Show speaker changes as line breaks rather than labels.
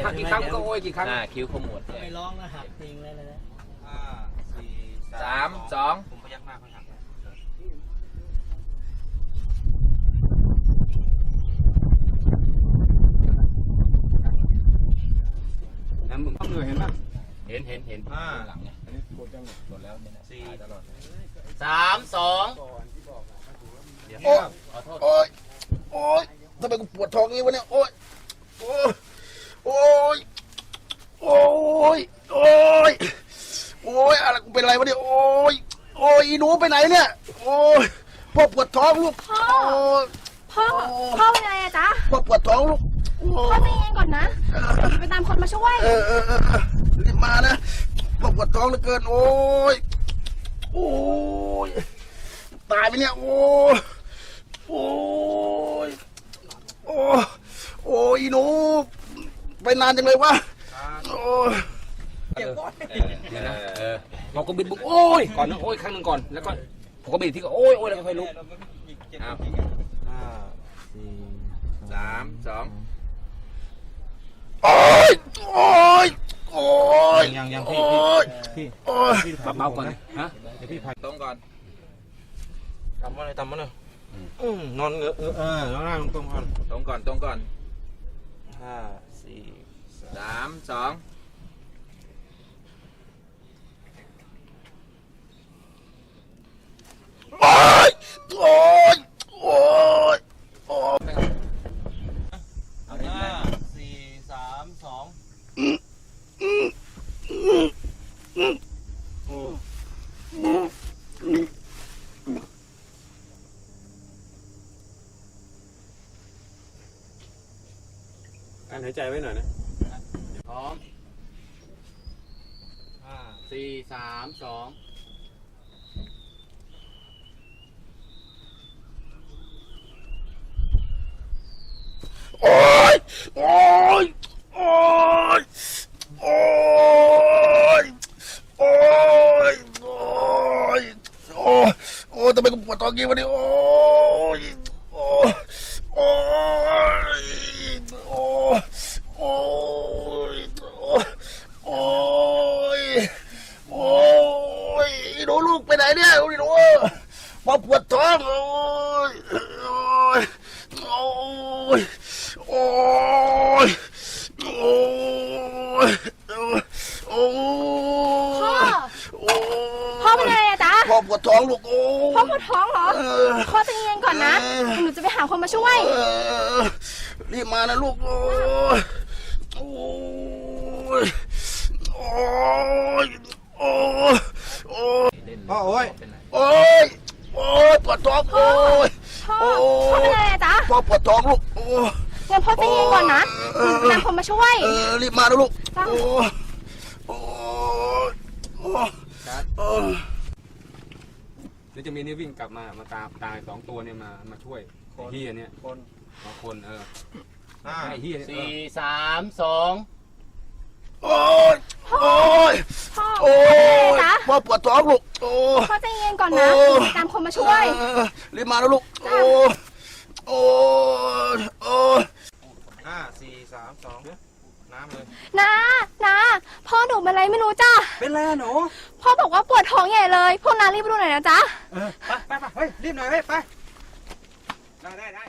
กี่ครั้งก็โอ้ยกี่ครั้ง
คิ้วขมวด
ไม่ร้องนะหักจริงเลยนะ
5 4 3 2
ผมพยักหน้าเขาหัก
แล้วมึงต้องเหนื่อยเห็นป่ะ
เห็น
หลังไงอันนี้กดจังกดแล้ว4
ตลอด3 2
โอ้ยโอ้ยทำไมกูปวดท้องงี้วะเนี่ยโอ้ยโอ้ยโอ้ยโอ้ยโอ้ยโอ้ยอะไรกูเป็นอะไรวะเนี่ยโอ้ยโอ้ยหนูไปไหนเนี่ยโอ้ยพ่อปวดท้องลูก
พ่อเป็นอะไรอะจ๊ะ
พ่อปวดท้องลูก
พ่อใจเย็นก่อนนะไปตามคนมาช่วย
รีบมานะพ่อปวดท้องเหลือเกินโอ้ยโอ้ยตายไปเนี่ยโอ้ยโอ้ยโอ้ยโอ้ยหนูไปนานจังเลยวะโอ้ยเราก็บิดบุกโอ้ยก่อนนะโอ้ยครั้งหนึ่งก่อนแล้วก็ผมก็บิดที่ก็โอ้ยโอ้ยแล้วก็ค่อยลุก
5 4 3 2
โอ้ยโอ้ยโอ้ย
ยัง
โอ้ยโอ้ยเบาก่อนฮะ
เดี๋ยวพี่พายตรงก่อน
ต่ำมาเลยนอนนอนนั่งตรงก่อน
ตรงก่อน
5 4
3 2
โอ้ยโอ้ยโอ้ยโอ้ย
5 4 3
การหายใจไว้หน่อยนะ
พร้อม5 4 3 2
โอ้ยโอ้ยโอ้ยโอ้ยโอ้ยโอ้ยโอ้ยโอ้ยทำไมกูปวดท้องงี้วะเนี่ยโอ้ยโอ้ยโอ้ยโอ้ยโอ้ยโอ้ยโอ้ยหนูลูกไปไหนเนี่ยหนูมาปวดท้องโอ้ยโอ้ยโอ้ยโอ้ยโอ้ยโอ้ย
พ่อเป็นอะไรอะจ๊ะ
พ่อปวดท้องลูกโอ้
พ่อปวดท้องเหรอพ่อใจเย็นก่อนนะหนูจะไปหาคนมาช่วย
รีบมานะลูกโอ้ยโอ้ยโอ้ยโอ้ยโอ้ย
พ่อโอ้ย
โอ้ยโอ้ยปวดท้องโอ้ย
พ่อเป็นอะไรอะจ๊ะ
พ่อปวดท้องลูกโอ้ย
งั้นพ่อใจเย็นก่อนนะหนูจะนำคนมาช่วย
รีบมานะลูกโอ้ยโอ้ยโอ้ย
เดี๋ยวจะมีนี่วิ่งกลับมาตาย2 ตัวเนี่ยมาช่วยไอ้เฮียเนี่ยคนไอ้เฮีย
4 3 2
โอ้ยโอ้ยโอ้ยพ่อปวดท้องลูกโอ้ย
พ่อใจเย็นก่อนนะตามคนมาช่วย
รีบมานะลูกโอ้ยโอ้ยโอ้ย
5 4 3 2น้ำเลย
นะพ่อหนูเป็นอะไรไม่รู้จ้ะ
เป็นไรหนู
พ่อบอกว่าปวดท้องใหญ่เลยพวกน้ารีบไปดูหน่อยนะจ๊ะ
ไปเฮ้ยรีบหน่อยเฮ้ยไปได้